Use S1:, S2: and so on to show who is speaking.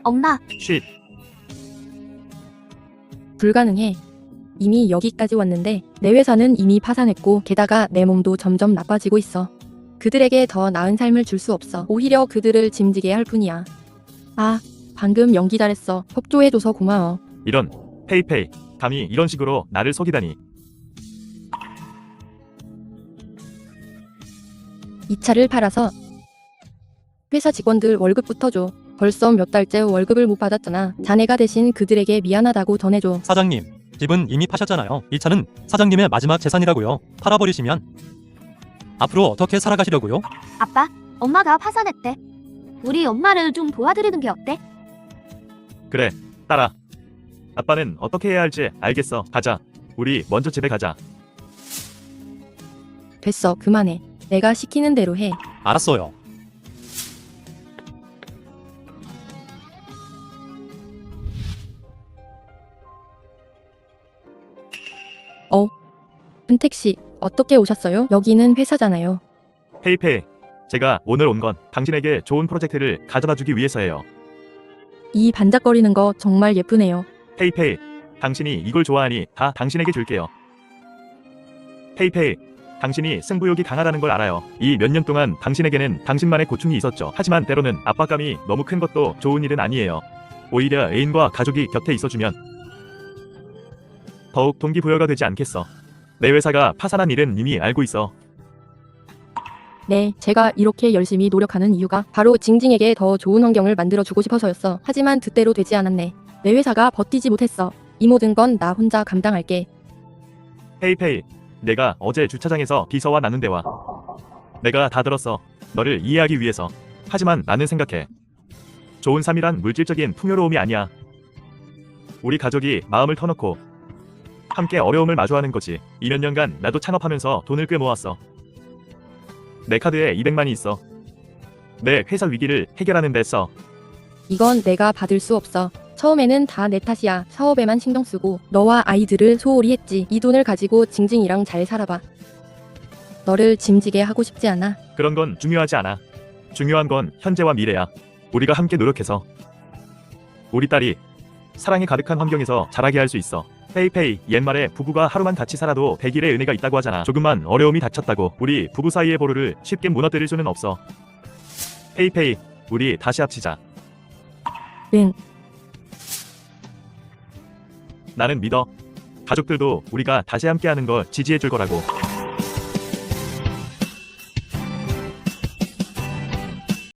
S1: 엄마,
S2: 쉿.
S3: 불가능해. 이미 여기까지 왔는데 내 회사는 이미 파산했고 게다가 내 몸도 점점 나빠지고 있어. 그들에게 더 나은 삶을 줄 수 없어. 오히려 그들을 짐지게 할 뿐이야. 아, 방금 연기 잘했어. 협조해줘서 고마워.
S2: 이런 페이페이. 감히 이런 식으로 나를 속이다니.
S3: 이 차를 팔아서 회사 직원들 월급부터 줘. 벌써 몇 달째 월급을 못 받았잖아. 자네가 대신 그들에게 미안하다고 전해줘.
S4: 사장님, 집은 이미 파셨잖아요. 이 차는 사장님의 마지막 재산이라고요. 팔아버리시면 앞으로 어떻게 살아가시려고요?
S1: 아빠, 엄마가 파산했대. 우리 엄마를 좀 도와드리는 게 어때?
S2: 그래, 딸아. 아빠는 어떻게 해야 할지 알겠어. 가자. 우리 먼저 집에 가자.
S3: 됐어, 그만해. 내가 시키는 대로 해.
S4: 알았어요.
S3: 은택씨, 어떻게 오셨어요? 여기는 회사잖아요.
S2: 페이페이. 제가 오늘 온 건 당신에게 좋은 프로젝트를 가져다주기 위해서예요.
S3: 이 반짝거리는 거 정말 예쁘네요.
S2: 페이페이. 당신이 이걸 좋아하니 다 당신에게 줄게요. 페이페이. 당신이 승부욕이 강하다는 걸 알아요. 이 몇 년 동안 당신에게는 당신만의 고충이 있었죠. 하지만 때로는 압박감이 너무 큰 것도 좋은 일은 아니에요. 오히려 애인과 가족이 곁에 있어주면 더욱 동기부여가 되지 않겠어. 내 회사가 파산한 일은 이미 알고 있어.
S3: 네, 제가 이렇게 열심히 노력하는 이유가 바로 징징에게 더 좋은 환경을 만들어주고 싶어서였어. 하지만 뜻대로 되지 않았네. 내 회사가 버티지 못했어. 이 모든 건 나 혼자 감당할게.
S2: 페이페이. 내가 어제 주차장에서 비서와 나눈 대화. 내가 다 들었어. 너를 이해하기 위해서. 하지만 나는 생각해. 좋은 삶이란 물질적인 풍요로움이 아니야. 우리 가족이 마음을 터놓고 함께 어려움을 마주하는 거지. 이 몇 년간 나도 창업하면서 돈을 꽤 모았어. 내 카드에 200만이 있어. 내 회사 위기를 해결하는 데 써.
S3: 이건 내가 받을 수 없어. 처음에는 다 내 탓이야. 사업에만 신경 쓰고 너와 아이들을 소홀히 했지. 이 돈을 가지고 징징이랑 잘 살아봐. 너를 짐지게 하고 싶지 않아.
S2: 그런 건 중요하지 않아. 중요한 건 현재와 미래야. 우리가 함께 노력해서 우리 딸이 사랑이 가득한 환경에서 자라게 할 수 있어. 페이페이. 옛말에 부부가 하루만 같이 살아도 100일의 은혜가 있다고 하잖아. 조금만 어려움이 닥쳤다고 우리 부부 사이의 보루를 쉽게 무너뜨릴 수는 없어. 페이페이. 우리 다시 합치자.
S3: 응.
S2: 나는 믿어. 가족들도 우리가 다시 함께하는 걸 지지해 줄 거라고.